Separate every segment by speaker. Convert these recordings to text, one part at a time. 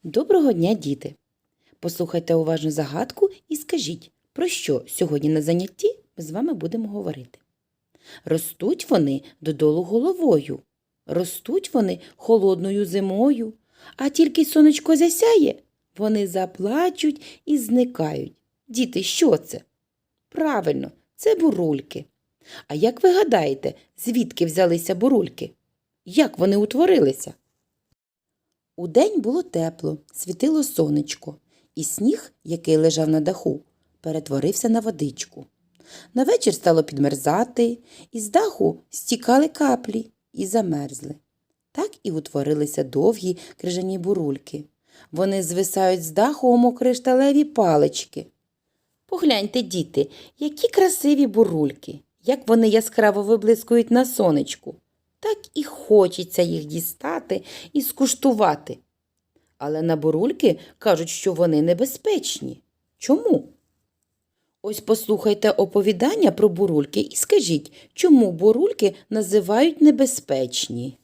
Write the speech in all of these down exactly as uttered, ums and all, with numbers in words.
Speaker 1: Доброго дня, діти! Послухайте уважно загадку і скажіть, про що сьогодні на занятті ми з вами будемо говорити. Ростуть вони додолу головою, ростуть вони холодною зимою, а тільки сонечко засяє, вони заплачуть і зникають. Діти, що це? Правильно, це бурульки. А як ви гадаєте, звідки взялися бурульки? Як вони утворилися? Удень було тепло, світило сонечко, і сніг, який лежав на даху, перетворився на водичку. На вечір стало підмерзати, і з даху стікали каплі і замерзли. Так і утворилися довгі крижані бурульки. Вони звисають з даху, мов кришталеві палички. Погляньте, діти, які красиві бурульки, як вони яскраво виблискують на сонечку. Так і хочеться їх дістати і скуштувати. Але на бурульки кажуть, що вони небезпечні. Чому? Ось послухайте оповідання про бурульки і скажіть, чому бурульки називають небезпечні.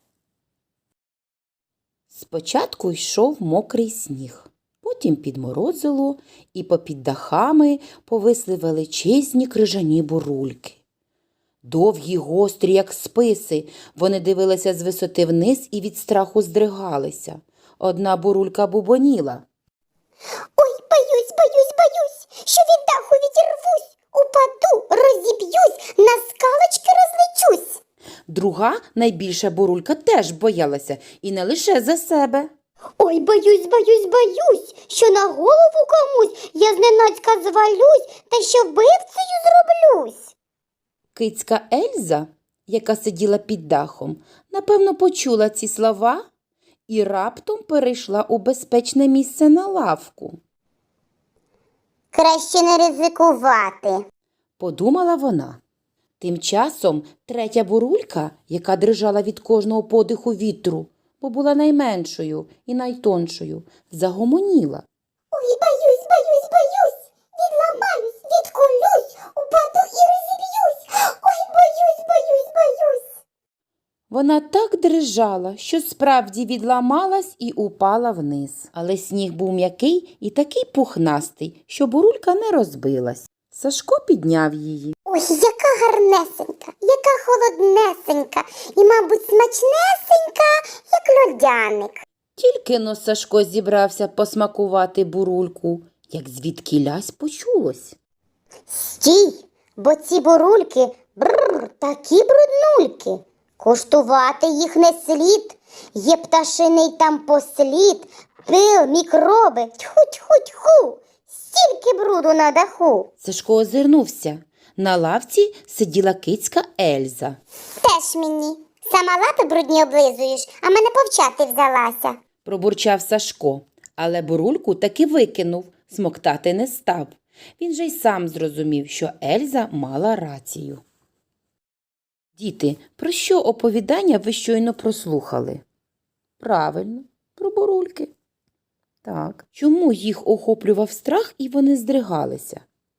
Speaker 1: Спочатку йшов мокрий сніг, потім підморозило, і попід дахами повисли величезні крижані бурульки. Довгі, гострі, як списи, вони дивилися з висоти вниз і від страху здригалися. Одна бурулька бубоніла.
Speaker 2: Ой, боюсь, боюсь, боюсь, що від даху відірвусь, упаду, розіб'юсь, на скалочки розлечусь.
Speaker 1: Друга, найбільша бурулька, теж боялася, і не лише за себе.
Speaker 2: Ой, боюсь, боюсь, боюсь, що на голову комусь я зненацька звалюсь, та що вбивцею зроблюсь.
Speaker 1: Кицька Ельза, яка сиділа під дахом, напевно, почула ці слова і раптом перейшла у безпечне місце на лавку.
Speaker 2: Краще не ризикувати.
Speaker 1: Подумала вона. Тим часом третя бурулька, яка дрижала від кожного подиху вітру, бо була найменшою і найтоншою, загомоніла.
Speaker 2: Ой, боюсь, боюсь, боюсь, відламаюсь, відкулюсь, упаду і розіб'юсь. Ой, боюсь, боюсь, боюсь.
Speaker 1: Вона так дрижала, що справді відламалась і упала вниз. Але сніг був м'який і такий пухнастий, що бурулька не розбилась. Сашко підняв її.
Speaker 2: Ой, яка гарнесенька, яка холоднесенька і, мабуть, смачнесенька, як льодяник.
Speaker 1: Тільки но Сашко зібрався посмакувати бурульку, як звідкілясь почулось.
Speaker 2: Стій, бо ці бурульки, бррр, такі бруднульки. Куштувати їх не слід, є пташиний там послід, пил, мікроби, тьху-тьху-тьху, стільки бруду на даху.
Speaker 1: Сашко озирнувся. На лавці сиділа кицька Ельза.
Speaker 2: Теж мені, сама лапи брудні облизуєш, а мене повчати взялася.
Speaker 1: Пробурчав Сашко, але бурульку таки викинув, смоктати не став. Він же й сам зрозумів, що Ельза мала рацію. Діти, про що оповідання ви щойно прослухали? Правильно, про бурульки. Так, чому їх охоплював страх і вони здригалися?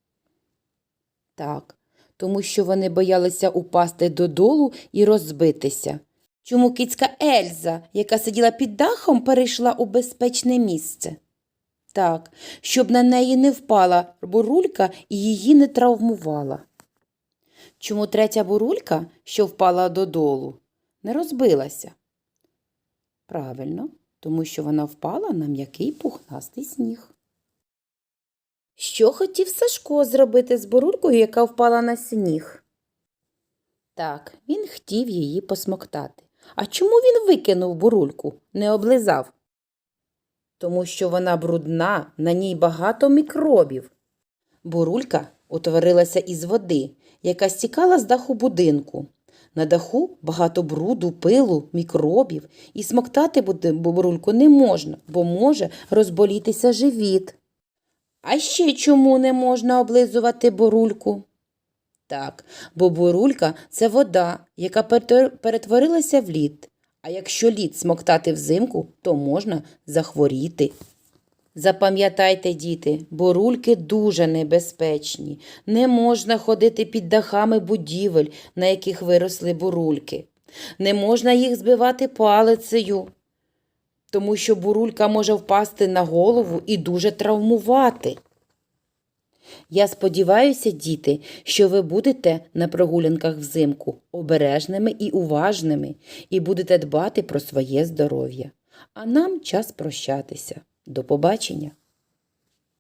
Speaker 1: Так, тому що вони боялися упасти додолу і розбитися. Чому кицька Ельза, яка сиділа під дахом, перейшла у безпечне місце? Так, щоб на неї не впала бурулька і її не травмувала. Чому третя бурулька, що впала додолу, не розбилася? Правильно, тому що вона впала на м'який пухнастий сніг. Що хотів Сашко зробити з бурулькою, яка впала на сніг? Так, він хотів її посмоктати. А чому він викинув бурульку, не облизав? Тому що вона брудна, на ній багато мікробів. Бурулька утворилася із води, яка стікала з даху будинку. На даху багато бруду, пилу, мікробів, і смоктати бурульку не можна, бо може розболітися живіт. А ще чому не можна облизувати бурульку? Так, бо бурулька – це вода, яка перетворилася в лід. А якщо лід смоктати взимку, то можна захворіти. Запам'ятайте, діти, бурульки дуже небезпечні. Не можна ходити під дахами будівель, на яких виросли бурульки. Не можна їх збивати палицею. тому що бурулька може впасти на голову і дуже травмувати. Я сподіваюся, діти, що ви будете на прогулянках взимку обережними і уважними і будете дбати про своє здоров'я. А нам час прощатися. До побачення!